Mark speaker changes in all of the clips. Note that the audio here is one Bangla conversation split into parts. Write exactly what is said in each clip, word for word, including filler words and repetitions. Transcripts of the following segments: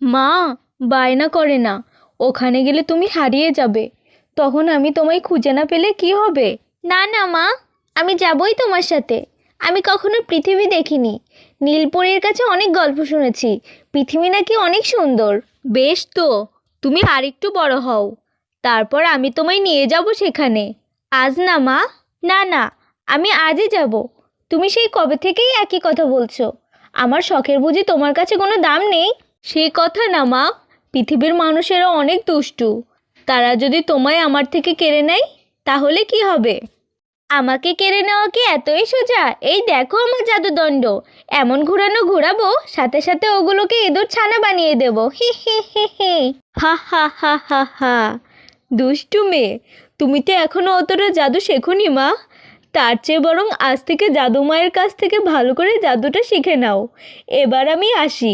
Speaker 1: মা বায়না করে না, ওখানে গেলে তুমি হারিয়ে যাবে, তখন আমি তোমায় খুঁজে না পেলে কি হবে?
Speaker 2: না না মা, আমি যাবই তোমার সাথে। আমি কখনো পৃথিবী দেখিনি। নীলপরীর কাছে অনেক গল্প শুনেছি, পৃথিবী নাকি অনেক সুন্দর।
Speaker 1: বেশ তো, তুমি আরেকটু বড় হও, তারপর আমি তোমায় নিয়ে যাব সেখানে।
Speaker 2: আজ না মা, না না, আমি আজই যাব। তুমি সেই কবে থেকেই একই কথা বলছো। আমার শখের বুঝি তোমার কাছে কোনো দাম নেই?
Speaker 1: সে কথা না মা, পৃথিবীর মানুষেরা অনেক দুষ্টু, তারা যদি তোমায় আমার থেকে কেড়ে নেয় তাহলে কি হবে?
Speaker 2: আমাকে কেড়ে নেওয়া কি এতই সোজা? এই দেখো আমার জাদুদণ্ড, এমন ঘোরানো ঘোরাবো, সাথে সাথে ওগুলোকে ইঁদুর ছানা বানিয়ে দেবো। হি হি হি হি।
Speaker 1: হা হা হা হা হা, দুষ্টু মেয়ে, তুমি তো এখনো অতটা জাদু শেখোনি মা। তার চেয়ে বরং আজ থেকে জাদু মায়ের কাছ থেকে ভালো করে জাদুটা শিখে নাও। এবার আমি আসি।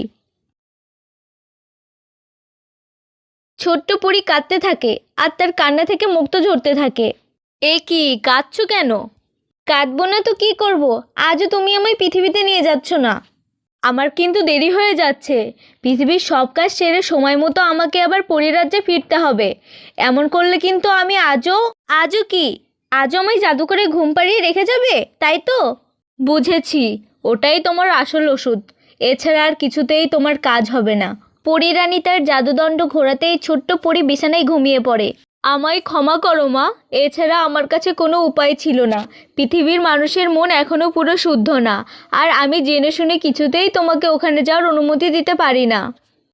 Speaker 1: ছোট্ট পরী কাঁদতে থাকে আর তার কান্না থেকে মুক্ত ঝরতে থাকে। এ কি, কাঁদছো কেন?
Speaker 2: কাঁদবো না তো কি করব? আজও তুমি আমায় পৃথিবীতে নিয়ে যাচ্ছ না।
Speaker 1: আমার কিন্তু দেরি হয়ে যাচ্ছে। পৃথিবীর সব কাজ সেরে সময় মতো আমাকে আবার পরিরাজ্যে ফিরতে হবে। এমন করলে কিন্তু আমি আজও
Speaker 2: আজও কি? আজও আমায় জাদু করে ঘুম পাড়িয়ে রেখে যাবে, তাই তো?
Speaker 1: বুঝেছি, ওটাই তোমার আসল ওষুধ। এছাড়া আর কিছুতেই তোমার কাজ হবে না।
Speaker 2: পরীরানী তার জাদুদণ্ড ঘোরাতেই ছোট্ট পরী বিছানায় ঘুমিয়ে পড়ে।
Speaker 1: আমায় ক্ষমা করো মা, এছাড়া আমার কাছে কোনো উপায় ছিল না। পৃথিবীর মানুষের মন এখনও পুরো শুদ্ধ না, আর আমি জেনে শুনে কিছুতেই তোমাকে ওখানে যাওয়ার অনুমতি দিতে পারি না।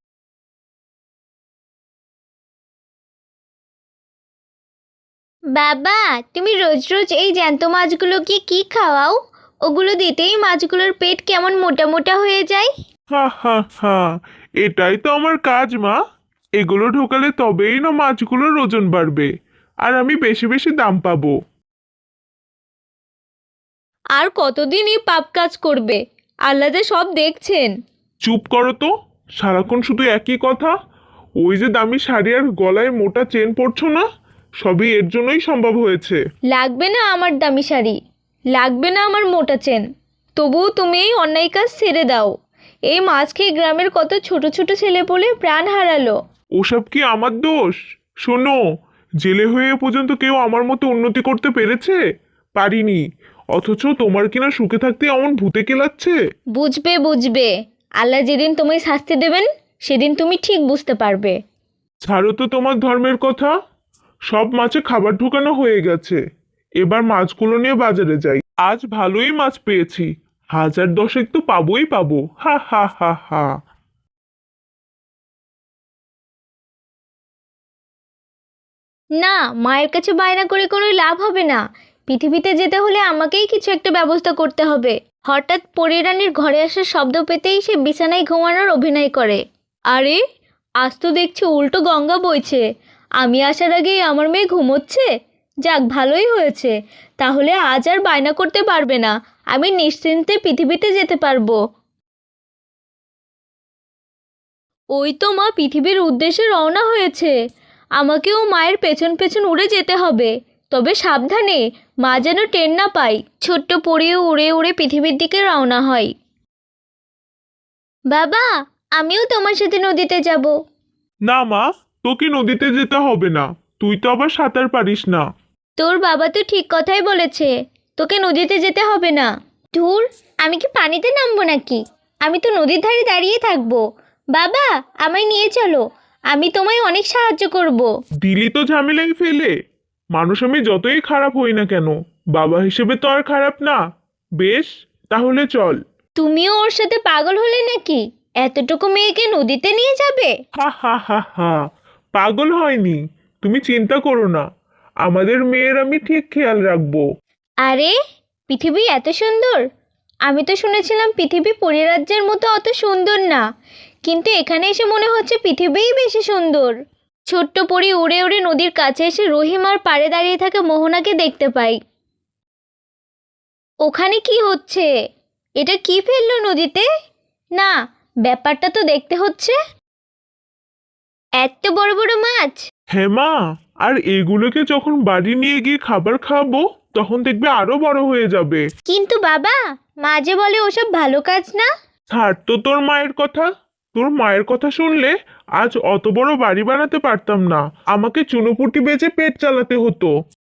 Speaker 2: বাবা, তুমি রোজ রোজ এই জ্যান্ত মাছগুলোকে কি খাওয়াও? ওগুলো দিতেই মাছগুলোর পেট কেমন মোটা মোটা হয়ে যায়।
Speaker 3: হা হা হা, এটাই তো আমার কাজ মা। এগুলো ঢোকালে তবেই না মাছগুলোর ওজন বাড়বে, আর আমি বেশি বেশি দাম পাবো।
Speaker 1: আর কতদিন এই পাপ কাজ করবে? আল্লাহ যে সব দেখছেন।
Speaker 3: চুপ করো তো, সারাক্ষণ শুধু একই কথা। ওই যে দামি শাড়ি আর গলায় মোটা চেন পরছো না, সবই এর জন্যই সম্ভব হয়েছে।
Speaker 1: লাগবে না আমার দামি শাড়ি, লাগবে না আমার মোটা চেন, তবুও তুমি এই অন্যায় কাজ ছেড়ে দাও। এই মাছ খেয়ে গ্রামের কত ছোট ছোট ছেলেপুলে প্রাণ হারালো।
Speaker 3: ওসব কি আমার দোষ? শোনো, জেলে হয়ে এ পর্যন্ত কেউ আমার মতো উন্নতি করতে পেরেছে? পারিনি। অথচ তোমার কিনা সুখে থাকতে এমন ভূতে কেলাচ্ছে।
Speaker 1: বুঝবে বুঝবে, আল্লাহ যেদিন তোমায় শাস্তি দেবেন সেদিন তুমি ঠিক বুঝতে পারবে।
Speaker 3: ছাড়ো তো তোমার ধর্মের কথা। সব মাছে খাবার ঢোকানো হয়ে গেছে, এবার মাছগুলো নিয়ে বাজারে যাই। আজ ভালোই মাছ পেয়েছি, হাজার দশেক তো পাবোই পাবো। হা হা হা হা।
Speaker 2: না, মায়ের কাছে বায়না করে কোনো লাভ হবে না। পৃথিবীতে যেতে হলে আমাকেই কিছু একটা ব্যবস্থা করতে হবে। হঠাৎ পরীরানীর ঘরে আসার শব্দ পেতেই সে বিছানায় ঘুমানোর অভিনয় করে।
Speaker 1: আরে, আজ তো দেখছি উল্টো গঙ্গা বইছে। আমি আসার আগেই আমার মেয়ে ঘুমোচ্ছে। যাক, ভালোই হয়েছে, তাহলে আজ আর বায়না করতে পারবে না। আমি নিশ্চিন্তে পৃথিবীতে যেতে পারবো। ওই তো মা পৃথিবীর উদ্দেশ্যে রওনা হয়েছে। আমাকেও মায়ের পেছন পেছন উড়ে যেতে হবে, তবে সাবধানে, মা যেন টের না পায়।
Speaker 2: ছোট্ট পরীও উড়ে উড়ে পৃথিবীর দিকে রওনা হয়। বাবা, আমিও তোমার সাথে নদীতে যাব।
Speaker 3: না মা, তোকে নদীতে যেতে হবে না, তুই তো আবার সাঁতার পারিস না।
Speaker 2: তোর বাবা তো ঠিক কথাই বলেছে, তোকে নদীতে যেতে হবে না। ধুর, আমি কি পানিতে নামবো নাকি? আমি তো নদীর ধারে দাঁড়িয়ে থাকবো। বাবা, আমায় নিয়ে চলো, আমি তোমায় অনেক সাহায্য করব।
Speaker 3: দিলি তো ঝামেলায় ফেলে। মানুষ আমি যতই খারাপ হই না কেন, বাবা হিসেবে তো আর খারাপ না। বেশ, তাহলে চল।
Speaker 2: তুমিও ওর সাথে পাগল হলে নাকি? এতটুকু মেয়েকে নদীতে নিয়ে যাবে?
Speaker 3: হা হা হা হা, পাগল হয়নি, তুমি চিন্তা করো না, আমাদের মেয়ের আমি ঠিক খেয়াল রাখবো।
Speaker 2: আরে, পৃথিবী এত সুন্দর! আমি তো শুনেছিলাম পৃথিবী পরিরাজ্যের মতো অত সুন্দর না, কিন্তু এখানে এসে মনে হচ্ছে পৃথিবীই বেশি সুন্দর। ছোট্ট পরী উড়ে উড়ে নদীর কাছে এসে রহিমার পাড়ে দাঁড়িয়ে থাকা মোহনাকে দেখতে পাই। ওখানে কি হচ্ছে? এটা কি ফেললো নদীতে? না, ব্যাপারটা তো দেখতে হচ্ছে এত বড় বড় মাছ।
Speaker 3: হ্যাঁ মা, আর এগুলোকে যখন বাড়ি নিয়ে গিয়ে খাবার খাওয়াবো তখন দেখবে আরো বড় হয়ে যাবে।
Speaker 2: কিন্তু বাবা, মা যে বলে ওসব ভালো কাজ না।
Speaker 3: ছাড় তো তোর মায়ের কথা, তোর মায়ের কথা শুনলে আজ অত বড় বাড়ি বানাতে পারতাম না, আমাকে চুনোপুটি বেচে পেট চালাতে হতো।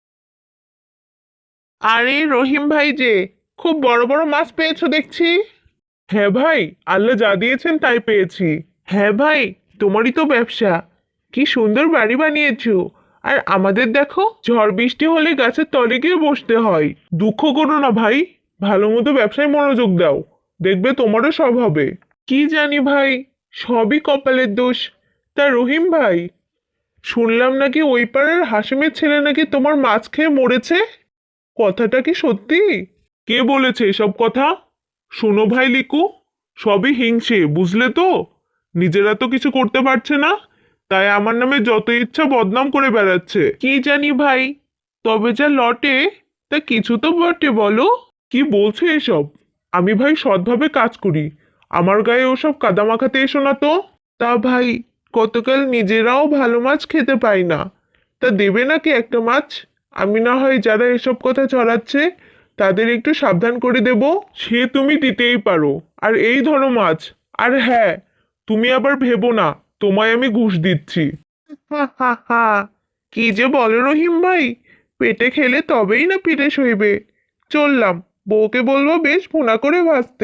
Speaker 3: আরে রহিম ভাই যে, খুব বড় বড় মাছ পেয়েছো দেখছি। হ্যাঁ ভাই, আল্লাহ যা দিয়েছেন তাই পেয়েছি। হ্যাঁ ভাই, তোমারই তো ব্যবসা, কি সুন্দর বাড়ি বানিয়েছো। আর আমাদের দেখো, ঝড় বৃষ্টি হলে গাছের তলে গিয়ে বসতে হয়। দুঃখ করো না ভাই, ভালো মতো ব্যবসায় মনোযোগ দাও, দেখবে তোমারও সব হবে। কি জানি ভাই, সবই কপালের দোষ। তা রহিম ভাই, শুনলাম নাকি ওই পাড়ার হাসিমের ছেলে নাকি তোমার মাছ খেয়ে মরেছে, কথাটা কি সত্যি? কে বলেছে এসব কথা? শোনো ভাই লিকু, সবই হিংসে, বুঝলে তো? নিজেরা তো কিছু করতে পারছে না, তাই আমার নামে যত ইচ্ছা বদনাম করে বেড়াচ্ছে। কি জানি ভাই, তবে যা লটে তা কিছু তো বটে, বলো। কি বলছো এসব? আমি ভাই সৎভাবে কাজ করি, আমার গায়ে ওসব কাদা মাখাতে এসো না তো। তা ভাই, কতকাল নিজেরাও ভালো মাছ খেতে পাই না, তা দেবে নাকি একটা মাছ? আমি না হয় যারা এসব কথা ছড়াচ্ছে তাদের একটু সাবধান করে দেব। সে তুমি দিতেই পারো, আর এই ধরো মাছ। আর হ্যাঁ, তুমি আবার ভেবো না তোমায় আমি ঘুষ দিচ্ছি। হা হা হা, কি যে বলো রহিম ভাই, পেটে খেলে তবেই না পিঠে সইবে। চললাম, বউকে বলবো বেশ ভুনা করে ভাজতে।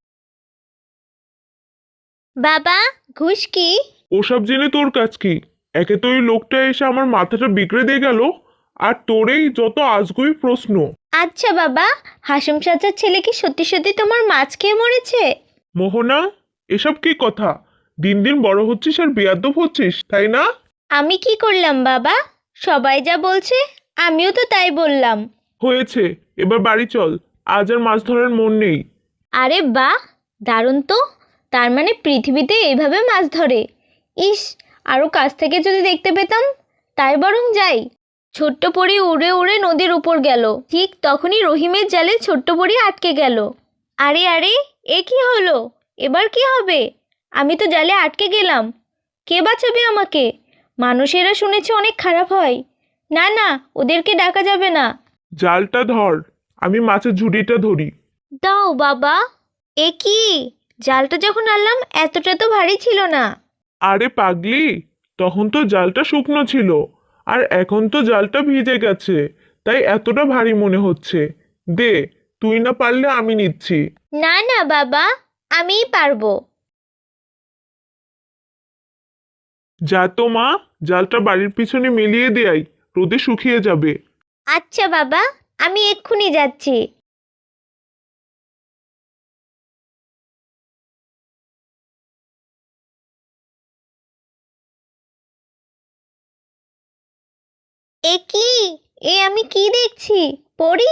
Speaker 2: বাবা, ঘুষ কি?
Speaker 3: ওসব জেনে তোর কাজ কি? একে তো ওই লোকটা এসে আমার মাথাটা বিগড়ে দিয়ে গেল, আর তোরেই যত আজগুবি প্রশ্ন।
Speaker 2: আচ্ছা বাবা, হাসিম চাচার ছেলে কি সত্যি সত্যি তোমার মাছ খেয়ে মরেছে?
Speaker 3: মোহনা, এসব কি কথা? দিন দিন বড় হচ্ছিস আর বেয়াদব হচ্ছিস, তাই না?
Speaker 2: আমি কি করলাম বাবা? সবাই যা বলছে আমিও তো তাই বললাম।
Speaker 3: হয়েছে, এবার বাড়ি চল, আজ আর মাছ ধরার মন নেই।
Speaker 2: আরে বাহ, দারুণ তো। তার মানে পৃথিবীতে এইভাবে মাছ ধরে। ইস, আরও কাছ থেকে যদি দেখতে পেতাম, তাই বরং যাই। ছোট্ট পরী উড়ে উড়ে নদীর উপর গেল। ঠিক তখনই রহিমের জালে ছোট্ট পরী আটকে গেল। আরে আরে, এ কি হলো? এবার কি হবে? আমি তো জালে আটকে গেলাম। কে বাঁচাবে আমাকে? মানুষেরা শুনেছে অনেক খারাপ হয়। না না, ওদেরকে ডাকা যাবে না।
Speaker 3: জালটা ধর, আমি মাছের ঝুড়িটা ধরি।
Speaker 2: দাও বাবা। এ কি, জালটা যখন আনলাম এতটা তো ভারী ছিল না।
Speaker 3: আরে পাগলি, তখন তো জালটা শুকনো ছিল, আর এখন তো জালটা ভিজে গেছে, তাই এতটা ভারী মনে হচ্ছে। দে, তুই না পারলে আমি নিচ্ছি।
Speaker 2: না না বাবা, আমিই পারবো।
Speaker 3: যা তো মা, জালটা বাড়ির পিছনে মিলিয়ে দেয়, রোদে শুকিয়ে যাবে।
Speaker 2: আচ্ছা বাবা, আমি এক্ষুনি যাচ্ছি। এ কি, এ আমি কি দেখছি? পড়ি?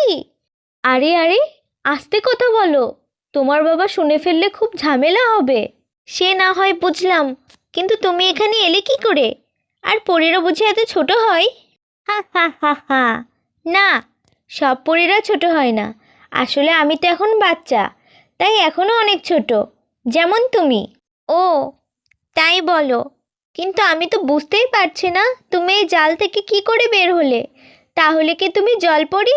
Speaker 2: আরে আরে, আস্তে কথা বলো, তোমার বাবা শুনে ফেললে খুব ঝামেলা হবে। সে না হয় বুঝলাম, কিন্তু তুমি এখানে এলে কি করে? আর পরীরা বুঝি এত ছোট হয়? হা হা হা হা। না, সব পরীরা ছোট হয় না। আসলে আমি তো এখন বাচ্চা, তাই এখনো অনেক ছোট, যেমন তুমি। ও, তাই বলো। কিন্তু আমি তো বুঝতেই পারছি না তুমি এই জাল থেকে কি করে বের হলে। তাহলে কি তুমি জল পড়ি?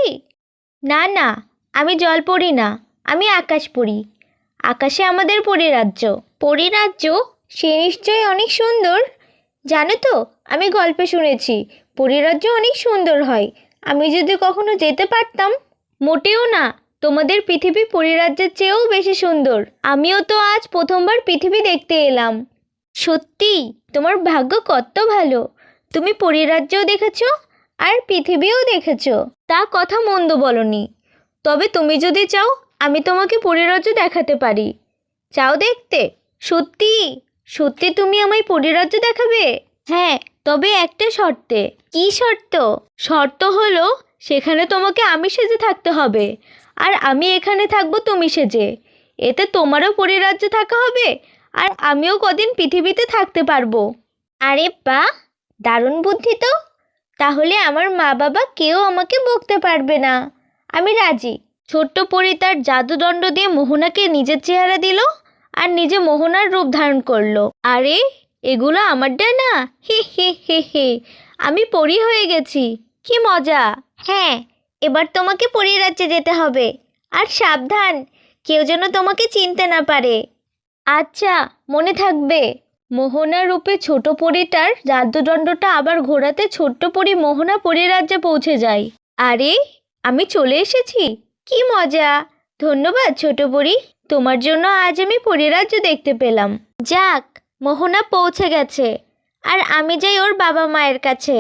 Speaker 2: না না, আমি জল পড়ি না, আমি আকাশ পড়ি। আকাশে আমাদের পরিরাজ্য। পরিরাজ্য? সে নিশ্চয়ই অনেক সুন্দর। জানো তো, আমি গল্পে শুনেছি পরিরাজ্য অনেক সুন্দর হয়। আমি যদি কখনো যেতে পারতাম। মোটেও না, তোমাদের পৃথিবী পরিরাজ্যের চেয়েও বেশি সুন্দর। আমিও তো আজ প্রথমবার পৃথিবী দেখতে এলাম। সত্যি, তোমার ভাগ্য কত ভালো। তুমি পরিরাজ্যও দেখেছো আর পৃথিবীও দেখেছো। তা কথা মন্দ বলনি। তবে তুমি যদি চাও, আমি তোমাকে পরিরাজ্য দেখাতে পারি। চাও দেখতে? সত্যি? সত্যি তুমি আমায় পরিরাজ্য দেখাবে? হ্যাঁ, তবে একটা শর্তে। কি শর্ত? শর্ত হলো সেখানে তোমাকে আমি সেজে থাকতে হবে, আর আমি এখানে থাকবো তুমি সেজে। এতে তোমারও পরিরাজ্য থাকা হবে, আর আমিও কদিন পৃথিবীতে থাকতে পারবো। আরে বাহ, দারুণ বুদ্ধি তো। তাহলে আমার মা বাবা কেউ আমাকে বকতে পারবে না। আমি রাজি। ছোট্ট পরী তার জাদুদণ্ড দিয়ে মোহনাকে নিজের চেহারা দিল, আর নিজে মোহনার রূপ ধারণ করলো। আরে, এগুলো আমার ডানা? হে হে হে হে, আমি পরী হয়ে গেছি, কি মজা। হ্যাঁ, এবার তোমাকে পরীর রাজ্যে যেতে হবে। আর সাবধান, কেউ যেন তোমাকে চিনতে না পারে। আচ্ছা, মনে থাকবে।
Speaker 1: মোহনা রূপে ছোট পরীটার জাদুদণ্ডটা আবার ঘোরাতে ছোট্ট পরী মোহনা পরীরাজ্যে পৌঁছে যায়।
Speaker 2: আরে, আমি চলে এসেছি, কি মজা! ধন্যবাদ ছোট পরী, তোমার জন্য আজ আমি পরীরাজ্য দেখতে পেলাম। যাক, মোহনা পৌঁছে গেছে, আর আমি যাই ওর বাবা মায়ের কাছে।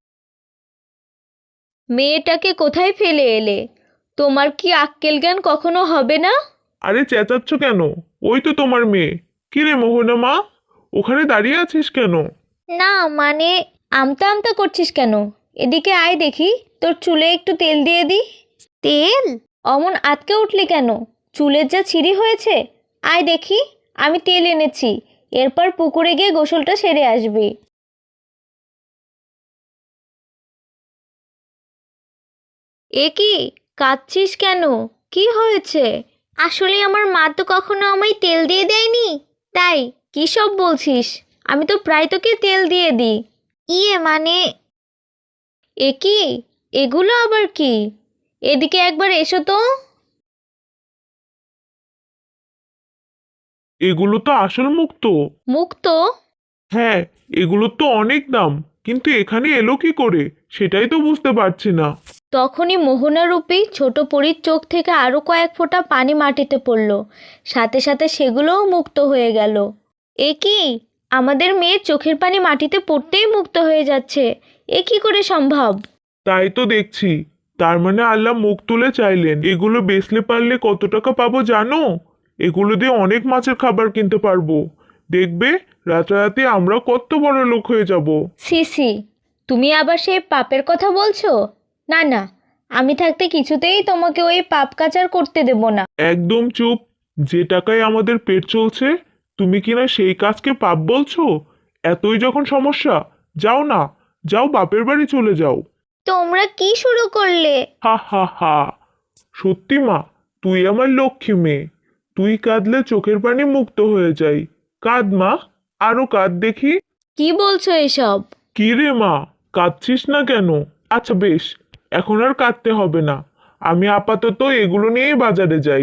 Speaker 1: মেয়েটাকে কোথায় ফেলে এলে? তোমার কি আক্কেল জ্ঞান কখনো হবে না?
Speaker 3: আরে চেঁচাচ্ছ কেন? ওই তো তোমার মেয়ে। কি রে মোহনা মা, ওখানে দাঁড়িয়ে আছিস কেন?
Speaker 2: না মানে,
Speaker 1: আমতা আমতা করছিস কেন? এদিকে আয় দেখি, তোর চুলে একটু তেল দিয়ে দি।
Speaker 2: তেল?
Speaker 1: অমন আটকে উঠলি কেন? চুলের যা ছিঁড়ি হয়েছে। আয় দেখি, আমি তেল এনেছি। এরপর পুকুরে গিয়ে গোসলটা সেরে আসবি। এ কি, কাঁদছিস কেন? কি হয়েছে?
Speaker 2: আসলে আমার মা তো কখনো আমায় তেল দিয়ে দেয়নি, তাই।
Speaker 1: কী সব বলছিস? আমি তো প্রায় তোকে তেল দিয়ে দিই।
Speaker 2: ইয়ে মানে,
Speaker 1: এ কি, এগুলো আবার কি? এদিকে একবার এসো তো।
Speaker 3: এগুলো তো আসল মুক্ত।
Speaker 1: মুক্ত?
Speaker 3: হ্যাঁ, এগুলোর তো অনেক দাম, কিন্তু এখানে এলো কি করে সেটাই তো বুঝতে পারছি না।
Speaker 1: তখনই মোহনারূপী ছোট পরীর চোখ থেকে আরও কয়েক ফোঁটা পানি মাটিতে পড়ল। সাথে সাথে সেগুলোও মুক্ত হয়ে গেল। এ কি, আমাদের মেয়ের চোখের পানি মাটিতে পড়তেই মুক্ত হয়ে যাচ্ছে। এ কি করে সম্ভব?
Speaker 3: তাই তো দেখছি। তার মানে আল্লাহ মুখ তুলে চাইলেন। এগুলো বেচলে পারলে কত টাকা পাবো জানো? এগুলো দিয়ে অনেক মাছের খাবার কিনতে পারবো। দেখবে রাতারাতি আমরা কত বড় লোক হয়ে যাব।
Speaker 1: সি সি, তুমি আবার সেই পাপের কথা বলছো? না না, আমি থাকতে কিছুতেই তোমাকে ওই পাপ কাচার করতে দেব না।
Speaker 3: একদম চুপ। যে টাকায় আমাদের পেট চলছে, তুমি কিনা সেই কাজকে পাপ বলছো? এতই যখন সমস্যা, যাও না, যাও বাপের বাড়ি চলে যাও।
Speaker 2: তোমরা কি শুরু করলে?
Speaker 3: হা হা হা। সত্যি মা, তুই আমার লক্ষ্মী মেয়ে। তুই কাঁদলে চোখের পানি মুক্ত হয়ে যায়। কাঁদ মা, আরো কাঁদ দেখি।
Speaker 1: কি বলছো এসব?
Speaker 3: কি রে মা, কাঁদছিস না কেন? আচ্ছা বেশ, এখন আর কাঁদতে হবে না। আমি আপাতত এগুলো নিয়েই বাজারে যাই।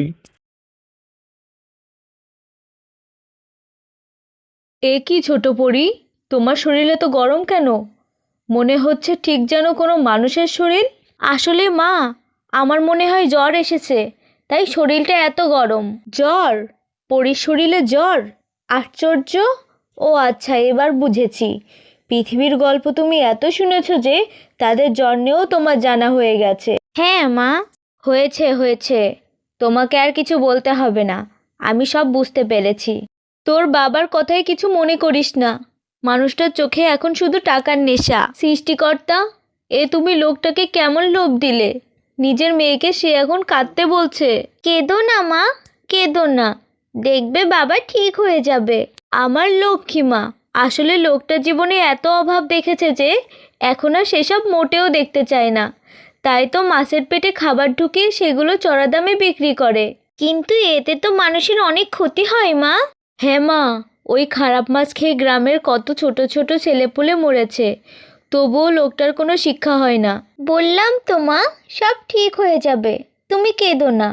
Speaker 1: এ কি ছোট পরী, তোমার শরীরে তো গরম কেন? মনে হচ্ছে ঠিক যেন কোনো মানুষের শরীর। আসলে মা, আমার মনে হয় জ্বর এসেছে, তাই শরীরটা এত গরম। জ্বর? পরীর শরীরে জ্বর? আশ্চর্য। ও আচ্ছা, এবার বুঝেছি। পৃথিবীর গল্প তুমি এত শুনেছ যে তাদের জ্বর নিয়েও তোমার জানা হয়ে গেছে।
Speaker 2: হ্যাঁ মা।
Speaker 1: হয়েছে হয়েছে, তোমাকে আর কিছু বলতে হবে না। আমি সব বুঝতে পেরেছি। তোর বাবার কথায় কিছু মনে করিস না। মানুষটার চোখে এখন শুধু টাকার নেশা। সৃষ্টিকর্তা, এ তুমি লোকটাকে কেমন লোভ দিলে? নিজের মেয়েকে সে এখন কাঁদতে বলছে।
Speaker 2: কেঁদো না মা, কেঁদো না, দেখবে বাবা ঠিক হয়ে যাবে।
Speaker 1: আমার লক্ষ্মী মা, আসলে লোকটা জীবনে এত অভাব দেখেছে যে এখন আর সেসব মোটেও দেখতে চায় না। তাই তো মাছের পেটে খাবার ঢুকিয়ে সেগুলো চড়া দামে বিক্রি করে।
Speaker 2: কিন্তু এতে তো মানুষের অনেক ক্ষতি হয় মা।
Speaker 1: হ্যাঁ মা, ওই খারাপ মাছ খেয়ে গ্রামের কত ছোট ছোট ছেলেপুলে মরেছে, তবুও লোকটার কোনো শিক্ষা হয় না।
Speaker 2: বললাম তো মা, সব ঠিক হয়ে যাবে, তুমি কেঁদো না।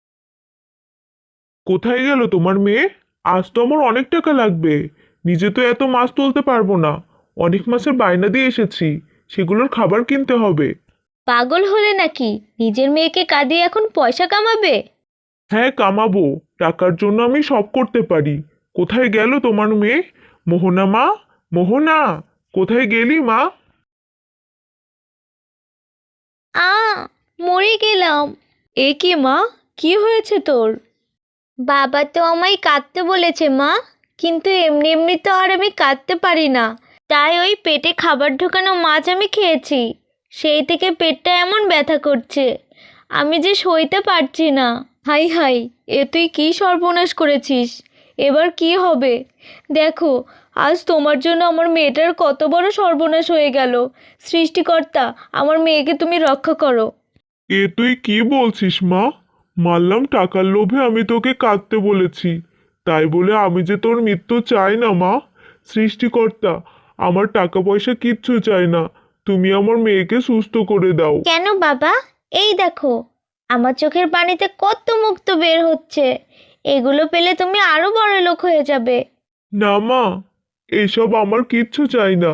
Speaker 3: কোথায় গেল তোমার মেয়ে? আজ তো আমার অনেক টাকা লাগবে। নিজে তো এত মাছ তুলতে পারবো না। অনেক মাছের বায়না দিয়ে এসেছি, সেগুলোর খাবার কিনতে হবে।
Speaker 1: পাগল হলে নাকি? নিজের মেয়েকে কাঁদিয়ে এখন পয়সা কামাবে?
Speaker 3: হ্যাঁ কামাবো, টাকার জন্য আমি সব করতে পারি। কোথায় গেল তোমার মেয়ে? মোহনা মা, মোহনা, কোথায় গেলি মা?
Speaker 2: আ মরে গেলাম।
Speaker 1: এ কি মা, কি হয়েছে তোর?
Speaker 2: বাবা তো আমায় কাঁদতে বলেছে মা, কিন্তু এমনি এমনি তো আর আমি কাঁদতে পারি না। তাই ওই পেটে খাবার ঢোকানো মাছ আমি খেয়েছি, সেই থেকে পেটটা এমন ব্যথা করছে, আমি যে সইতে পারছি না।
Speaker 1: হাই হাই, এ তুই কী সর্বনাশ করেছিস? এবার কি হবে? দেখো, আজ তোমার জন্য আমার মেয়েটার কত বড় সর্বনাশ হয়ে গেল। সৃষ্টিকর্তা, আমার মেয়েকে তুমি রক্ষা করো।
Speaker 3: এ তুই কি বলছিস মা? মানলাম টাকার লোভে আমি তোকে কাঁদতে বলেছি, তাই বলে আমি যে তোর মৃত্যু চাই না মা। সৃষ্টিকর্তা, আমার টাকা পয়সা কিচ্ছু চাই না, তুমি আমার মেয়েকে সুস্থ করে দাও।
Speaker 2: কেন বাবা? এই দেখো, আমার চোখের পানিতে কত মুক্ত বের হচ্ছে। এগুলো পেলে তুমি আরো বড় লোক হয়ে যাবে।
Speaker 3: না মা, এসব আমার কিচ্ছু চাই না।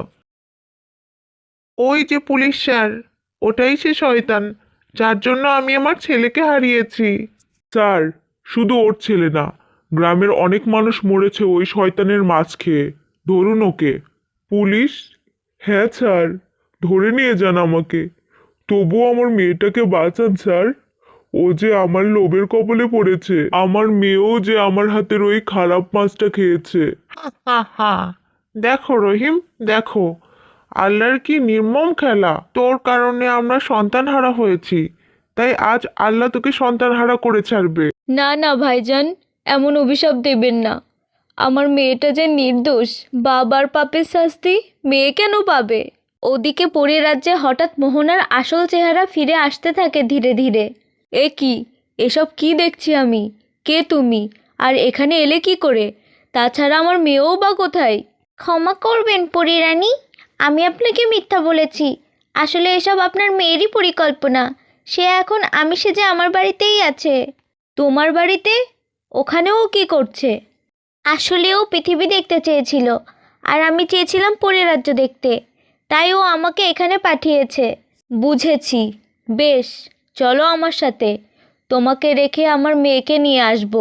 Speaker 3: ওই যে পুলিশ স্যার, ওটাই সে শয়তান যার জন্য আমি আমার ছেলেকে হারিয়েছি। স্যার, শুধু ওর ছেলে না, গ্রামের অনেক মানুষ মরেছে ওই শয়তানের মাছ খেয়ে। ধরুন ওকে। পুলিশ? হ্যাঁ স্যার, ধরে নিয়ে যান আমাকে। তবুও আমার মেয়েটাকে বাঁচান স্যার। ও যে আমার লোভের কবলে পড়েছে, আমার মেয়েও যে আমার হাতের ওই খারাপ মাছটা খেয়েছে। হা হা হা, দেখো রহিম, দেখো আল্লাহর কি নির্মম খেলা। তোর কারণে আমরা সন্তানহারা হয়েছি, তাই আজ আল্লাহ তোকে সন্তানহারা করে ছাড়বে।
Speaker 1: না না ভাইজান, এমন অভিশাপ দেবেন না। আমার মেয়েটা যে নির্দোষ, বাবার পাপের শাস্তি মেয়ে কেন পাবে? ওদিকে পরী রাজ্যে হঠাৎ মোহনার আসল চেহারা ফিরে আসতে থাকে ধীরে ধীরে। এ কি, এসব কি দেখছি আমি? কে তুমি? আর এখানে এলে কি করে? তাছাড়া আমার মেয়েও বা কোথায়?
Speaker 2: ক্ষমা করবেন পরিরানী, আমি আপনাকে মিথ্যা বলেছি। আসলে এসব আপনার মেয়েরই পরিকল্পনা। সে এখন আমি সেজে আমার বাড়িতেই আছে।
Speaker 1: তোমার বাড়িতে? ওখানেও কি করছে?
Speaker 2: আসলে ও পৃথিবী দেখতে চেয়েছিল, আর আমি চেয়েছিলাম পরিরাজ্য দেখতে, তাই ও আমাকে এখানে পাঠিয়েছে।
Speaker 1: বুঝেছি। বেশ, চলো আমার সাথে। তোমাকে রেখে আমার মেয়েকে নিয়ে আসবো।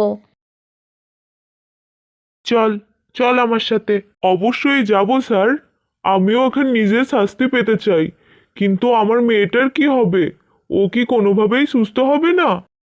Speaker 3: চল, চল আমার সাথে। অবশ্যই যাব স্যার। আমিও এখন নিজের শাস্তি পেতে চাই, কিন্তু আমার মেয়েটার কি হবে? ও কি কোনোভাবেই সুস্থ হবে না?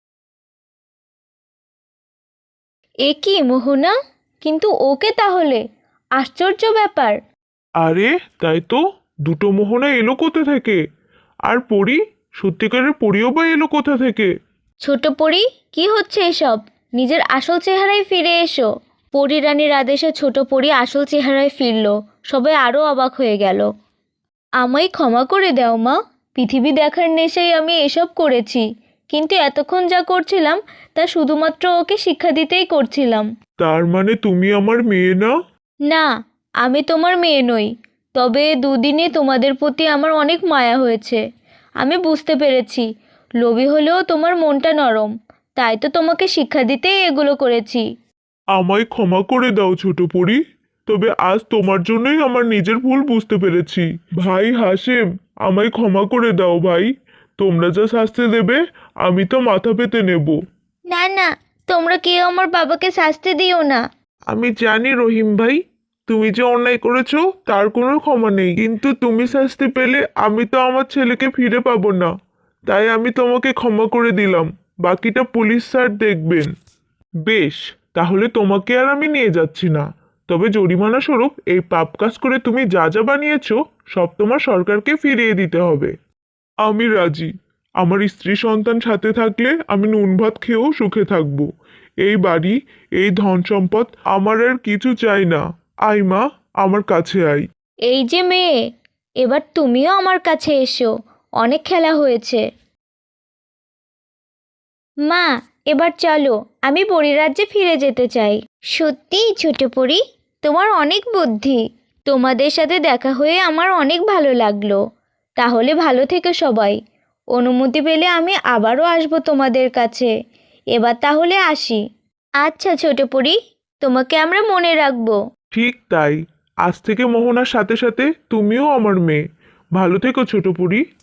Speaker 1: এ কি মোহনা, কিন্তু ওকে তাহলে? আশ্চর্য ব্যাপার।
Speaker 3: আরে তাই তো, দুটো মোহনা এলো কোথা থেকে? আর পরি, সত্যিকারের পরিও বা এলো কোথা থেকে?
Speaker 1: ছোট পরী, কি হচ্ছে এসব? নিজের আসল চেহারায় ফিরে এসো। পরী রানীর আদেশে ছোট পরী আসল চেহারায় ফিরল। সবাই আরও অবাক হয়ে গেল। আমায় ক্ষমা করে দাও মা, পৃথিবী দেখার নেশায় আমি এসব করেছি, কিন্তু এতক্ষণ যা করছিলাম তা শুধুমাত্র ওকে শিক্ষা দিতেই করছিলাম।
Speaker 3: তার মানে তুমি আমার মেয়ে না?
Speaker 1: না, আমি তোমার মেয়ে নই। তবে দুদিনে তোমাদের প্রতি আমার অনেক মায়া হয়েছে। আমি বুঝতে পেরেছি, লোভী হলেও তোমার মনটা নরম, তাই তো তোমাকে শিক্ষা দিতেই এগুলো করেছি।
Speaker 3: আমায় ক্ষমা করে দাও ছোট পরি, তবে আজ তোমার জন্যই আমার নিজের ভুল বুঝতে পেরেছি। ভাই হাসেম, আমায় ক্ষমা করে দাও ভাই। তোমরা যা শাস্তি দেবে আমি তো মাথা পেতে নেব।
Speaker 2: না না, তোমরা কেউ আমার বাবাকে শাস্তি দিও না।
Speaker 3: আমি জানি রহিম ভাই, তুমি যে অন্যায় করেছো তার কোনো ক্ষমা নেই, কিন্তু তুমি শাস্তি পেলে আমি তো আমার ছেলেকে ফিরে পাবো না। তাই আমি তোমাকে ক্ষমা করে দিলাম, বাকিটা পুলিশ স্যার দেখবেন। বেশ, তাহলে তোমাকে আর আমি নিয়ে যাচ্ছি না, তবে জরিমানা স্বরূপ এই পাপ কাজ করে তুমি যা যা বানিয়েছো সব তোমার সরকারকে ফিরিয়ে দিতে হবে। আমি রাজি। আমার স্ত্রী সন্তান সাথে থাকলে আমি নুন ভাত খেয়েও সুখে থাকবো। এই বাড়ি, এই ধন সম্পদ আমার আর কিছু চাই না। আয় মা, আমার কাছে আয়।
Speaker 1: এই যে মেয়ে, এবার তুমিও আমার কাছে এসো। অনেক খেলা হয়েছে।
Speaker 2: মা, এবার চলো, আমি পরিরাজ্যে ফিরে যেতে চাই। সত্যিই ছোট পরি, তোমার অনেক বুদ্ধি।
Speaker 1: তোমাদের সাথে দেখা হয়ে আমার অনেক ভালো লাগলো। তাহলে ভালো থেকো সবাই। অনুমতি পেলে আমি আবারও আসবো তোমাদের কাছে। এবার তাহলে আসি।
Speaker 2: আচ্ছা ছোট পরি,
Speaker 1: তোমাকে আমরা মনে রাখবো।
Speaker 3: ঠিক তাই, আজ থেকে মোহনার সাথে সাথে তুমিও আমার মেয়ে। ভালো থেকো ছোট পুরি।